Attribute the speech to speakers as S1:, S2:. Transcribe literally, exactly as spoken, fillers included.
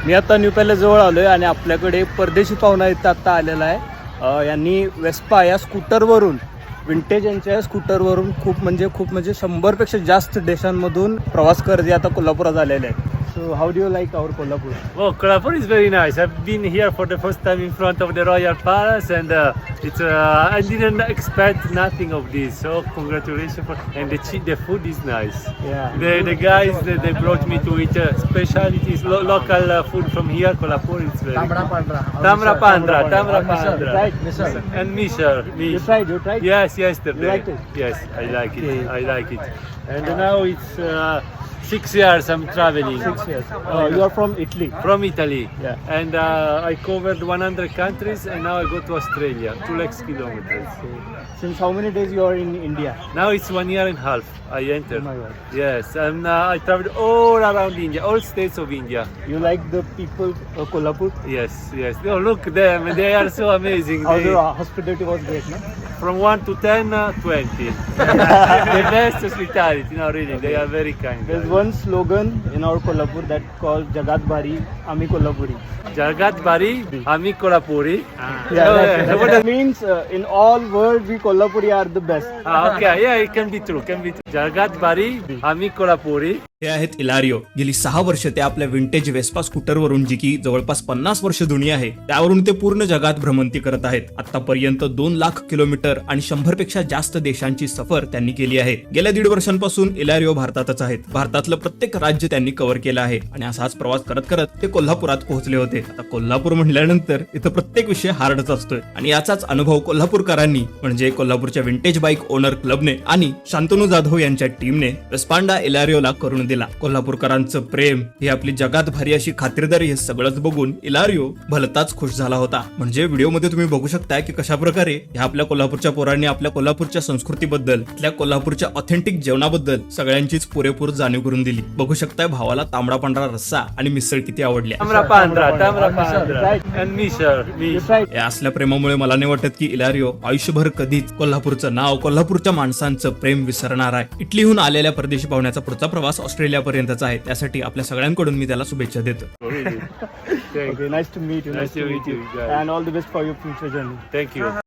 S1: मी आता new palace जवळ आलोय आणि आपल्याकडे परदेशी पाहुणा इथं आता आलेला आहे. अ, यांनी वेस्पा या स्कूटरवरून विंटेज यांच्या स्कूटरवरून खूप म्हणजे खूप म्हणजे शंभरपेक्षा जास्त देशांमधून प्रवास करत आता कोल्हापुरात आलेले आहेत. So how do you like our Kolhapur?
S2: Well, Kolhapur is very nice. I've been here for the first time in front of the Royal Palace, and uh, it's. Uh, I didn't expect nothing of this. So congratulations for, and the che- the food is nice.
S1: Yeah.
S2: The the guys they, they brought me to eat uh, specialties, lo- local uh, food from here. Kolhapur is very.
S3: Tamra Pandra.
S2: Tamra Pandra, Tamra
S1: Misal,
S2: Pandra,
S1: right, misal.
S2: and Mishar.
S1: You tried, you tried?
S2: Yes, yesterday.
S1: You liked it?
S2: Yes, I like it.
S1: Okay.
S2: I like it. And now it's uh, six years I'm traveling.
S1: Six years. Uh, you are from Italy.
S2: From Italy.
S1: Yeah.
S2: And uh, I covered one hundred countries, and now I go to Australia, two lakhs kilometers.
S1: Since how many days you are in India?
S2: Now it's one year and a half I
S1: Oh
S2: entered.
S1: my God.
S2: Yes, and uh, I traveled all around India, all states of India.
S1: You like the people of Kolhapur?
S2: Yes, yes. Oh, look them, they are so amazing.
S1: How
S2: They,
S1: the hospitality was great, no?
S2: from one to ten, uh, twenty. The best hospitality, no really, they are very kind.
S1: There's one slogan in our Kolhapur that called Jagat Bhari, Ami Kolhapuri.
S2: Jagat Bari, Ami Kolhapuri.
S1: Yeah,
S2: Oh,
S1: that,
S2: yeah.
S1: that means uh, in all world we Kolhapuri are the best.
S2: Ah, okay, yeah, it can be true, can be true. Jagat Bari, Ami Kolhapuri.
S4: हे आहेत इलारिओ. गेली सहा वर्ष ते आपल्या vintage Vespa स्कूटरवरून, जी की जवळपास पन्नास वर्ष जुनी आहे, त्यावरून ते पूर्ण जगात भ्रमंती करत आहेत. आतापर्यंत दोन लाख किलोमीटर आणि शंभर पेक्षा जास्त देशांची सफर त्यांनी केली आहे. गेल्या दीड वर्षांपासून इलारिओ भारतातच आहेत. भारतातलं प्रत्येक राज्य त्यांनी कव्हर केलं आहे आणि असाच प्रवास करत करत ते कोल्हापुरात पोहोचले होते. आता कोल्हापूर म्हटल्यानंतर इथं प्रत्येक विषय हार्डच असतोय आणि याचाच अनुभव कोल्हापूरकरांनी म्हणजे कोल्हापूरच्या विंटेज बाईक ओनर क्लबने आणि शांतनू जाधव यांच्या टीमने वेस्पांडा इलारिओला करून दिला. कोल्हापूरकरांचं प्रेम, ही आपली जगात भारी अशी खातिरदारी, हे सगळंच बघून इलारिओ भलताच खुश झाला होता. म्हणजे व्हिडिओमध्ये तुम्ही बघू शकताय की कशा प्रकारे ह्या आपल्या कोल्हापूरच्या पोरांनी आपल्या कोल्हापूरच्या संस्कृतीबद्दल, आपल्या कोल्हापूरच्या ऑथेंटिक जेवणाबद्दल सगळ्यांचीच पुरेपूर जाणीव करून दिली. बघू शकताय भावाला तांबडा पांढरा रस्सा आणि मिसळ किती आवडल्या.
S2: Tamra Pandra, Tamra
S1: Mishar,
S2: Pandra.
S1: right.
S2: And Mishar.
S1: You
S2: Mish.
S1: tried?
S4: या असल्या प्रेमामुळे मला नाही वाटत की इलारिओ आयुष्यभर कधीच कोल्हापूरचं नाव, कोल्हापूरच्या माणसांचं प्रेम विसरणार आहे. इटलीहून आलेल्या परदेशी पाहुण्याचा पुढचा प्रवास ऑस्ट्रेलिया पर्यंतचा आहे. त्यासाठी आपल्या सगळ्यांकडून मी त्याला शुभेच्छा देतो.
S2: Really. Thank,
S1: Okay, nice to meet you.
S2: Nice to meet you, guys.
S1: And all the best for your future journey.
S2: thank you.